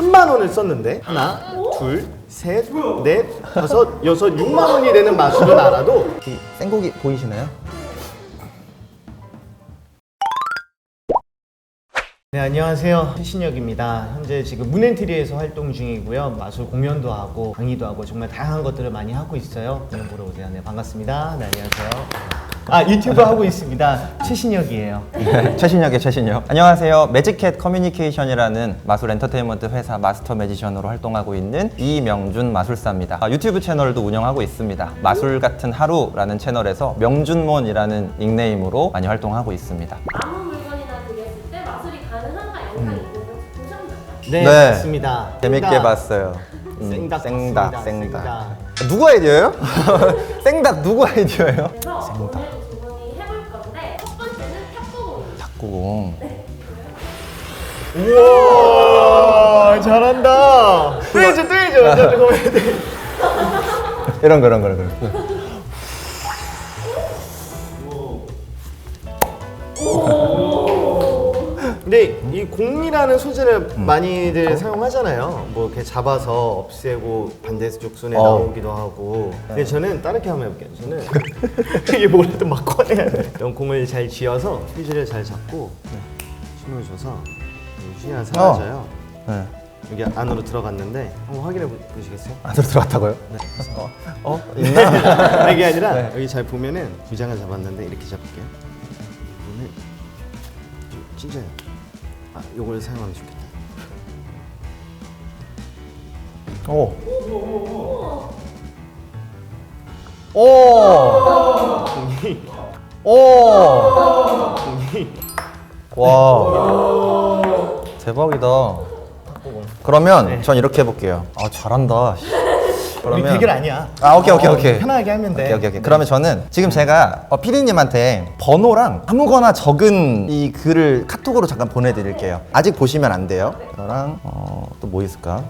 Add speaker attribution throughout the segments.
Speaker 1: 3만 원을 썼는데 하나, 둘, 셋, 넷, 다섯, 여섯, 6만 원이 되는 마술은 알아도
Speaker 2: 이 생고기 보이시나요?
Speaker 1: 네, 안녕하세요. 최신혁입니다. 현재 지금 문엔트리에서 활동 중이고요. 마술 공연도 하고 강의도 하고 정말 다양한 것들을 많이 하고 있어요. 공연 보러 오세요. 네, 반갑습니다. 네, 안녕하세요. 유튜브 하고 있습니다. 최신혁이에요.
Speaker 2: 최신혁의 최신혁. 안녕하세요. 매직캣 커뮤니케이션이라는 마술 엔터테인먼트 회사 마스터 매지션으로 활동하고 있는 이명준 마술사입니다. 유튜브 채널도 운영하고 있습니다. 마술 같은 하루라는 채널에서 명준몬이라는 닉네임으로 많이 활동하고 있습니다.
Speaker 3: 아무 물건이나 드렸을 때 마술이 가능한가 영상이 있는데 보셨나요?
Speaker 1: 네,
Speaker 2: 네.
Speaker 1: 맞습니다.
Speaker 2: 재밌게 봤어요.
Speaker 1: 생닭
Speaker 2: 생닭,
Speaker 1: 봤습니다.
Speaker 2: 생닭. 누구 아이디어예요? 생닭 누구 아이디어예요?
Speaker 3: 그래서 오늘도 두 분이 해볼 건데 첫 번째는 탁구공입니다.
Speaker 2: 탁구공.
Speaker 1: 우와, 잘한다. 또 해줘. 저거 해야 돼.
Speaker 2: 이런 거.
Speaker 1: 근데 이 공이라는 소재를 많이들 사용하잖아요. 뭐 이렇게 잡아서 없애고 반대쪽 손에 나오기도 하고. 근데 저는 다르게 한번 해볼게요. 저는 이게 뭐라도 막 꺼내야 돼. 이런 공을 잘 쥐어서 휘지를 잘 잡고 힘을 줘서 휘지가 사라져요.
Speaker 2: 네.
Speaker 1: 여기 안으로 들어갔는데 한번 확인해 보시겠어요?
Speaker 2: 안으로 들어갔다고요?
Speaker 1: 네.
Speaker 2: 있나?
Speaker 1: 이게 아니라
Speaker 2: 네.
Speaker 1: 여기 잘 보면은 두 장을 잡았는데 이렇게 잡을게요. 오늘 진짜요. 요걸 사용하면 좋겠다.
Speaker 2: 오. 와. 대박이다. 그러면 전 이렇게 해볼게요. 잘한다.
Speaker 1: 우리 대결 아니야.
Speaker 2: 오케이.
Speaker 1: 편하게 하면 돼.
Speaker 2: 오케이. 그러면 저는 지금 제가 피디님한테 번호랑 아무거나 적은 이 글을 카톡으로 잠깐 보내드릴게요. 아직 보시면 안 돼요. 저랑 또 뭐 있을까?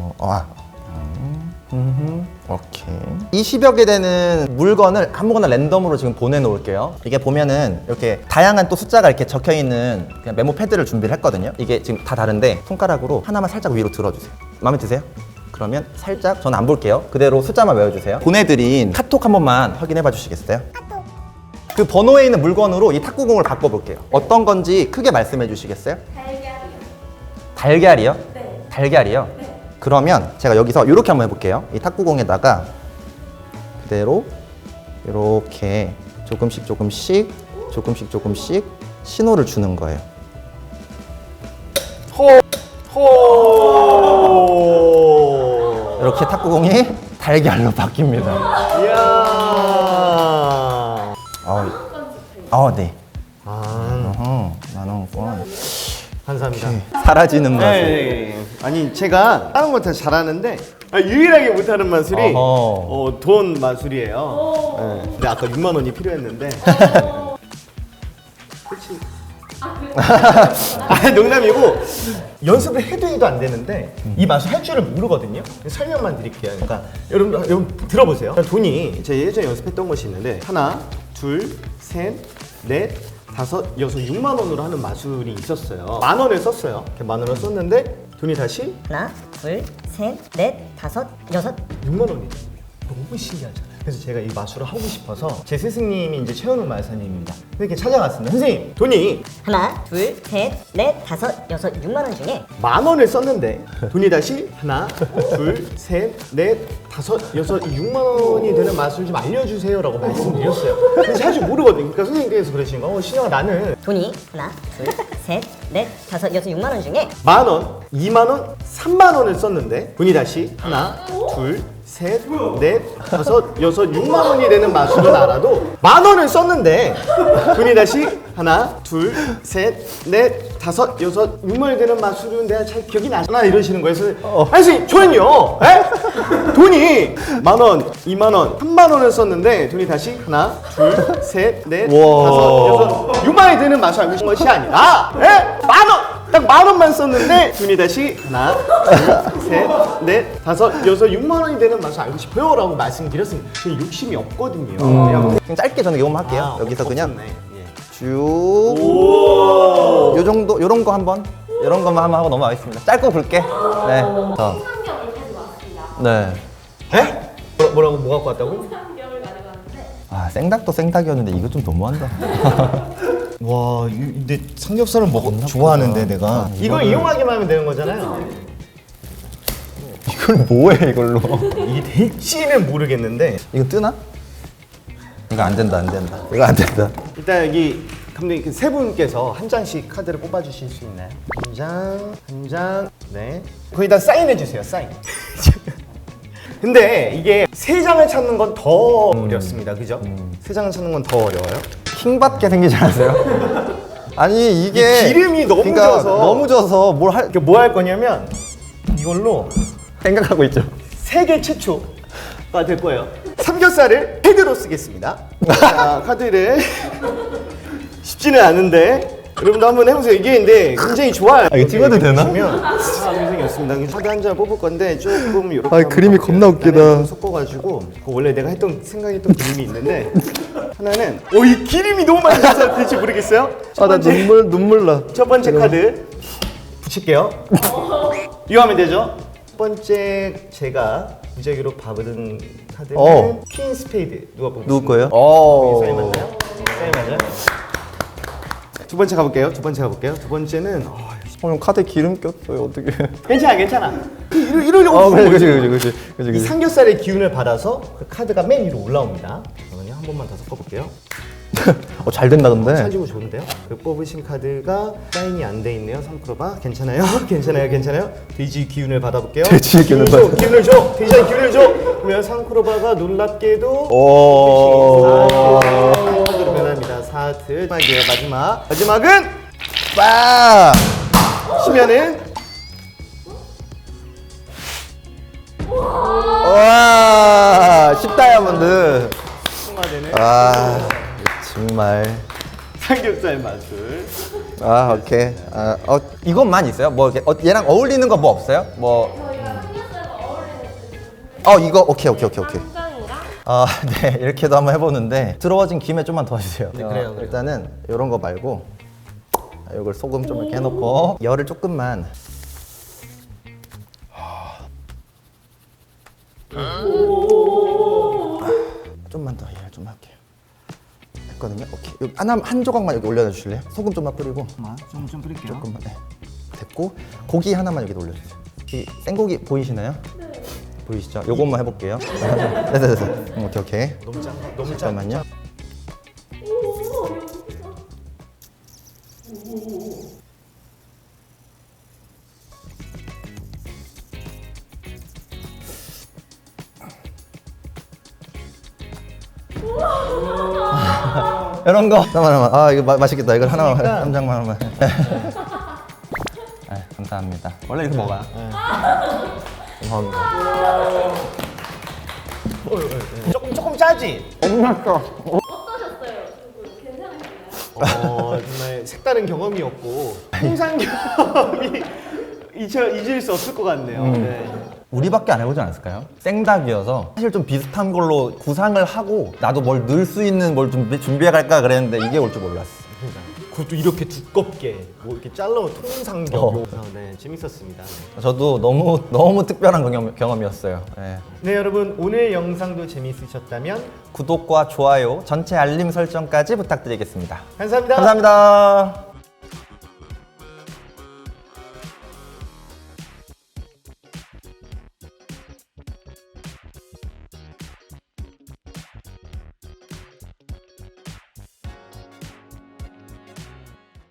Speaker 2: 오케이. 이 10여 개 되는 물건을 아무거나 랜덤으로 지금 보내놓을게요. 이게 보면은 이렇게 다양한 또 숫자가 이렇게 적혀있는 그냥 메모 패드를 준비를 했거든요. 이게 지금 다 다른데 손가락으로 하나만 살짝 위로 들어주세요. 마음에 드세요? 그러면 살짝 저는 안 볼게요. 그대로 숫자만 외워주세요. 보내드린 카톡 한 번만 확인해봐 주시겠어요? 그 번호에 있는 물건으로 이 탁구공을 바꿔볼게요. 어떤 건지 크게 말씀해 주시겠어요?
Speaker 3: 달걀이요.
Speaker 2: 달걀이요?
Speaker 3: 네.
Speaker 2: 달걀이요?
Speaker 3: 네.
Speaker 2: 그러면 제가 여기서 이렇게 한번 해볼게요. 이 탁구공에다가 그대로 이렇게 조금씩 신호를 주는 거예요. 이렇게 탁구공이 달걀로 바뀝니다.
Speaker 1: 이야.
Speaker 2: 네.
Speaker 1: 아,
Speaker 2: 만원권.
Speaker 1: 감사합니다.
Speaker 2: 사라지는 맛.
Speaker 1: 네. 아니 제가 다른 거 다 잘하는데 유일하게 못하는 마술이 돈 마술이에요. 네. 근데 아까 6만 원이 필요했는데. 그렇지. 농담이고 연습을 해도 안 되는데 이 마술 할 줄을 모르거든요. 설명만 드릴게요. 그러니까 여러분 들어보세요. 돈이 제가 예전에 연습했던 것이 있는데 하나, 둘, 셋, 넷, 다섯, 여섯, 6만 원으로 하는 마술이 있었어요. 만 원을 썼어요. 이렇게 만 원을 썼는데 돈이 다시
Speaker 4: 하나, 둘, 셋, 넷, 다섯, 여섯.
Speaker 1: 6만 원이 너무 신기하잖아요. 그래서 제가 이 마술을 하고 싶어서 제 스승님이 이제 최현욱 마술사님입니다. 이렇게 찾아갔습니다. 선생님, 돈이
Speaker 4: 하나, 둘, 셋, 넷, 다섯, 여섯, 6만 원 중에
Speaker 1: 만 원을 썼는데 돈이 다시 하나, 둘, 셋, 넷, 다섯, 여섯, 6만 원이 되는 마술 좀 알려주세요라고 말씀드렸어요. 근데 사실 모르거든요. 그러니까 선생님께서 그러시는 거, 신영아 나는
Speaker 4: 돈이 하나, 둘, 셋, 넷, 다섯, 여섯, 6만 원 중에
Speaker 1: 만 원, 2만 원, 3만 원을 썼는데 돈이 다시 하나, 둘, 셋, 넷, 다섯, 여섯, 6만 원이 되는 마술은 알아도 만 원을 썼는데 돈이 다시 하나, 둘, 셋, 넷, 다섯, 여섯, 6만 원이 되는 마술은 내가 잘 기억이 나잖아 이러시는 거예요. 그래서 아니 선생님 저는요 돈이 만 원, 2만 원, 3만 원을 썼는데 돈이 다시 하나, 둘, 셋, 넷, 다섯, 여섯, 6만 원이 되는 마술 알고 싶은 것이 아니라 만 원! 딱 만 원만 썼는데 돈이 다시 하나, 둘, 셋, 넷, 다섯, 여섯, 6만 원이 되는 맛을 알고 싶어요 라고 말씀드렸습니다. 제 욕심이 없거든요.
Speaker 2: 그냥 짧게 저는 이것만 할게요. 여기서 그냥
Speaker 1: 없었네. 예.
Speaker 2: 쭉. 요 정도, 요런 거 한번. 이런 것만 한번 하고 넘어가겠습니다. 짧고 굵게. 네.
Speaker 3: 홍삼겹을 가져왔습니다.
Speaker 2: 네.
Speaker 1: 에? 뭐라고 뭐 갖고 왔다고?
Speaker 3: 홍삼겹을 가져왔는데
Speaker 2: 아 생닭도 생닭이었는데 이거 좀 너무한다.
Speaker 1: 와, 근데 삼겹살은 좋아하는데 내가 이걸 이용하기만 하면 되는 거잖아요.
Speaker 2: 이걸 뭐해 이걸로?
Speaker 1: 이게 될지는 모르겠는데
Speaker 2: 이거 뜨나? 이거 안 된다 안 된다. 이거 안 된다.
Speaker 1: 일단 여기 감독님 그세 분께서 한 장씩 카드를 뽑아주실 수 있나요? 한 장, 한 장, 네. 거기다 사인해 주세요. 사인. 근데 이게 세 장을 찾는 건 더 어렵습니다. 그죠? 세 장을 찾는 건 더 어려워요.
Speaker 2: 킹받게 생기지 않으세요? 아니 이게
Speaker 1: 이 기름이 너무 져서.
Speaker 2: 너무 져서 뭘 할
Speaker 1: 뭐 할 거냐면 이걸로
Speaker 2: 생각하고 있죠.
Speaker 1: 세계 최초가 될 거예요. 삼겹살을 헤드로 쓰겠습니다. 자, 카드를 쉽지는 않은데 여러분도 한번 해보세요. 이게 근데 굉장히 좋아요.
Speaker 2: 이거 찍어도 되나?
Speaker 1: 보시면 굉장히 좋습니다. 카드 한 장 뽑을 건데 조금 이렇게
Speaker 2: 아, 그림이 겁나 웃기다.
Speaker 1: 섞어가지고 원래 내가 생각했던 그림이 있는데 하나는 이 기름이 너무 많이 나서 될지 모르겠어요. 첫 번째,
Speaker 2: 눈물 나.
Speaker 1: 첫 번째 카드 붙일게요. 이거 하면 되죠? 첫 번째 제가 무작위로 받은 카드는 퀸 스페이드. 누가 뽑으세요?
Speaker 2: 누구 거예요?
Speaker 1: 사인 맞나요? 사인 맞아요? 두 번째 가볼게요. 두 번째는
Speaker 2: 형 카드에 기름 꼈어요. 어떻게?
Speaker 1: 괜찮아. 이러려고
Speaker 2: 그렇지.
Speaker 1: 이 삼겹살의 기운을 받아서 그 카드가 맨 위로 올라옵니다. 그러면 한 번만 더 섞어볼게요.
Speaker 2: 잘 된다 근데.
Speaker 1: 찰지고 좋은데요? 그 뽑으신 카드가 사인이 안 돼 있네요. 상크로바 괜찮아요? 괜찮아요? 돼지 기운을 받아볼게요.
Speaker 2: 돼지의 기운을 받아.
Speaker 1: 기운을 줘. 돼지의 기운을 줘. 그러면 상크로바가 놀랍게도
Speaker 2: 오.
Speaker 1: 사트로 변합니다. 사트. 마지막은
Speaker 2: 빠.
Speaker 1: 치면은
Speaker 2: 와. 10다이아몬드.
Speaker 1: 통화되는
Speaker 2: 정말.
Speaker 1: 삼겹살 마술.
Speaker 2: 오케이. 이것만 있어요? 뭐 이렇게 얘랑 어울리는 거 뭐 없어요? 뭐
Speaker 3: 저희가 삼겹살과 어울리는
Speaker 2: 이거 오케이.
Speaker 3: 쌈장이랑
Speaker 2: 네 이렇게도 한번 해보는데 들어와진 김에 좀만 도와주세요.
Speaker 1: 네, 그래요.
Speaker 2: 일단은 이런 거 말고 이걸 소금 좀 이렇게 해놓고 열을 조금만. 좀만 더 열 좀 할게요. 했거든요. 오케이. 여기 한 조각만 여기 올려놔 주실래요? 소금 좀만 뿌리고.
Speaker 1: 좀 뿌릴게요.
Speaker 2: 조금만. 네. 됐고 고기 하나만 여기 올려주세요. 이 생고기 보이시나요? 네. 보이시죠? 요것만 해볼게요. 됐어. 오케이.
Speaker 1: 너무 짠가? 너무
Speaker 2: 잠깐만요. 이런 거. 잠깐만. 이거 맛있겠다. 이걸 하나만, 한 장만 하면. 감사합니다. 원래 이렇게 먹어요. 감사합니다.
Speaker 1: 조금 짜지?
Speaker 3: 어떠셨어요? 두 괜찮으셨나요?
Speaker 1: 정말 색다른 경험이었고 홍삼겹이 잊을 수 없을 것 같네요. 네.
Speaker 2: 우리밖에 안 해보지 않았을까요? 생닭이어서 사실 좀 비슷한 걸로 구상을 하고 나도 뭘 넣을 수 있는 뭘 좀 준비해 갈까 그랬는데 이게 올 줄 몰랐어.
Speaker 1: 그것도 이렇게 두껍게 뭐 이렇게 잘라온 통삼겹. 네, 재밌었습니다.
Speaker 2: 저도 너무 특별한 경험이었어요. 네.
Speaker 1: 네, 여러분 오늘 영상도 재밌으셨다면
Speaker 2: 구독과 좋아요, 전체 알림 설정까지 부탁드리겠습니다.
Speaker 1: 감사합니다.
Speaker 2: 감사합니다.